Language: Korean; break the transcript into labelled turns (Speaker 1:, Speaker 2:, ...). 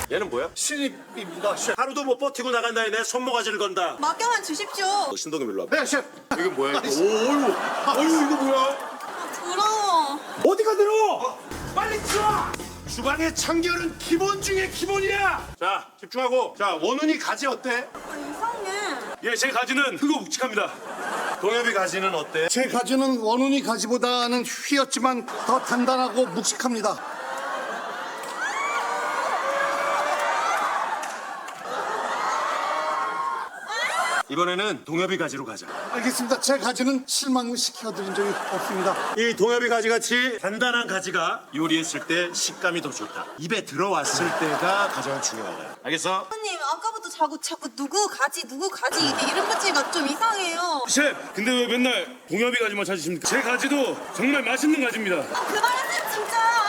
Speaker 1: 얘는 뭐야?
Speaker 2: 신입입니다, 셰프.
Speaker 1: 하루도 못 버티고 나간다니 내 손모가지를 건다.
Speaker 3: 맡겨만 주십시오.
Speaker 1: 너 신동엽 일로 와봐.
Speaker 2: 네, 셰프.
Speaker 1: 이건 뭐야? 이거? 어이구 이거 뭐야?
Speaker 3: 부러워.
Speaker 1: 어디가 들어? 빨리 들어! 주방의 청결은 기본 중에 기본이야. 자 집중하고. 자 원훈이 가지 어때?
Speaker 3: 이상해.
Speaker 1: 예, 제 가지는 크고 묵직합니다. 동엽이 가지는 어때?
Speaker 2: 제 가지는 원훈이 가지보다는 휘었지만 더 단단하고 묵직합니다.
Speaker 1: 이번에는 동엽이 가지로 가자.
Speaker 2: 알겠습니다. 제 가지는 실망을 시켜드린 적이 없습니다.
Speaker 1: 이 동엽이 가지같이 단단한 가지가 요리했을 때 식감이 더 좋다. 입에 들어왔을 때가 가장 중요하다. 알겠어?
Speaker 3: 선생님 아까부터 자꾸 누구 가지 이게 이름 붙이기가 좀 이상해요.
Speaker 4: 셰프, 근데 왜 맨날 동엽이 가지만 찾으십니까? 제 가지도 정말 맛있는 가지입니다.
Speaker 3: 그만하세요 진짜.